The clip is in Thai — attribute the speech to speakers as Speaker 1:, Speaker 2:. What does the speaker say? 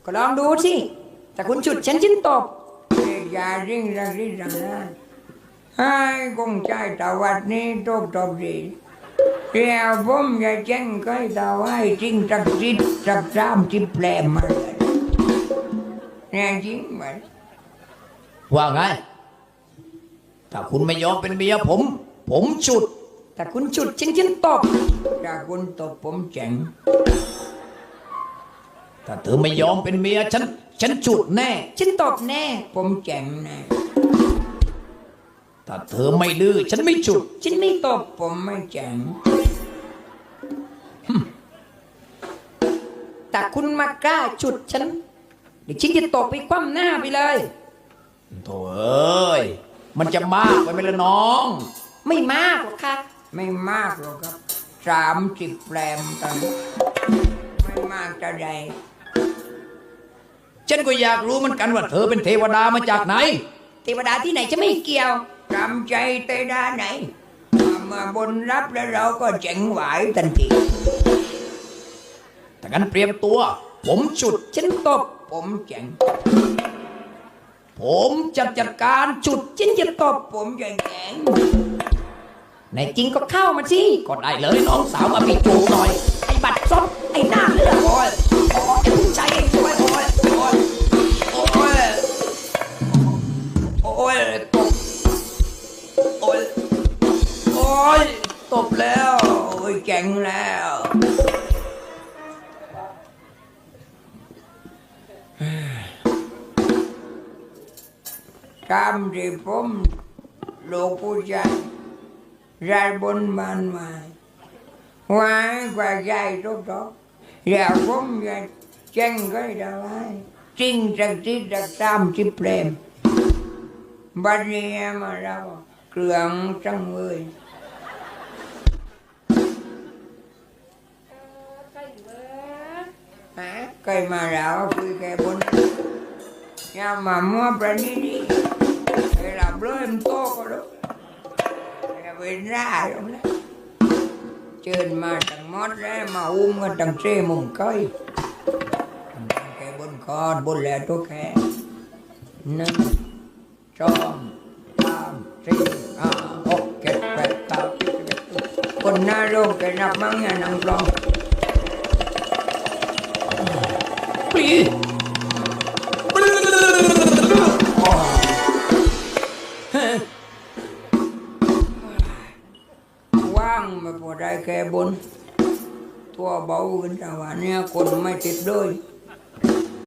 Speaker 1: ก็ลองดูสิแต่คุณฉุดฉันตบ
Speaker 2: อย่าริ่งรังริรังนะให้คงใจตะวัดนี้ตบตบดีเรียวผมอย่าแจ้งใครตะไว้จริงจักจิตจักจามจิบแปลมาเลยเนี่ยจริงไหม
Speaker 3: ว่าไงถ้าคุณไม่ยอมเป็นเมียผมฉุด
Speaker 1: แต่คุณฉุดฉันตบ
Speaker 2: ถ้าคุณตบผมแจ้ง
Speaker 3: ถ้าเธอไม่ยอมเป็นเมียฉันฉุดแน่
Speaker 1: ฉันตบแน่
Speaker 2: ผมแจ้งแน่
Speaker 3: ถ้าเธอไม่ดื้อฉันไม่ฉุด
Speaker 1: ฉันไม่ตบ
Speaker 2: ผมไม่แจ้ง
Speaker 1: แต่คุณมากล้าฉุดฉันเดี๋ยวฉันจะตบไปคว่ำหน้าไปเลย
Speaker 3: โถ่เอ้ยมันจะมากไปไหมล่ะน้อง
Speaker 1: ไม่มากหรอกค่ะ
Speaker 2: ไม่มากหรอกครับ30 แปลมตอนไม่มากจะใด
Speaker 3: ฉันก็อยากรู้เหมือนกันว่าเธอเป็นเทวดามาจากไหน
Speaker 1: เทวดาที่ไหนจะไม่เกี่ยว
Speaker 2: จำใจเตดาไหนมาบนรับแล้วเราก็เจ๋งไหวทันที
Speaker 3: แต่งั้นเตรียมตัว ผมฉุด
Speaker 1: ฉันตบ
Speaker 2: ผมเจ๋ง
Speaker 3: ผมจะจัดการฉุด
Speaker 1: ฉันจะตบ
Speaker 2: ผมจะแข็ง
Speaker 1: ในจริงก็เข้ามาสิ
Speaker 3: ก็ได้เลยน้องสาวมาปิดจูหน่อย
Speaker 1: ไอ้บัตรซบไอ้หน้าเลือด
Speaker 2: โอ้ยโอ้ยผู้ชายเองช่วยโอ้ยโอ้ยโอ้ยโอ้ยตบโอ้ยโอ้ยตบแล้วโอ้ยเจ๋งแล้วตามที่ผมลูกผู้ชายรายบนบ้านมาไว้กว่าใหญ่ทุกท่ออย่าผมอย่าแจ้งก็ได้ไว้จริงจักจิตจักตามจิเปรมบัดนี้มาเราเครื่องจังเลยเคยมาแล้วคุยแกบนอย่ามามัวประณีดีไอ้หลับเลยมันโตก็รู้อย่าไปร่าตรงนั้นเชิญมาตั้งมดแล้วมาอุ้มกันตั้งเซ่มุมก้อยแกบนคอนบนแหล่ตัวแก1 2 3 4 5 6 7 8 9 คนหน้าโลกแกนับมั้งอย่านั่งกลอง
Speaker 3: ปรี
Speaker 2: ว่างไม่พอได้แค่บนตัวเบาขึ้นแต่ว่าเนี่ยคนไม่ติดเลย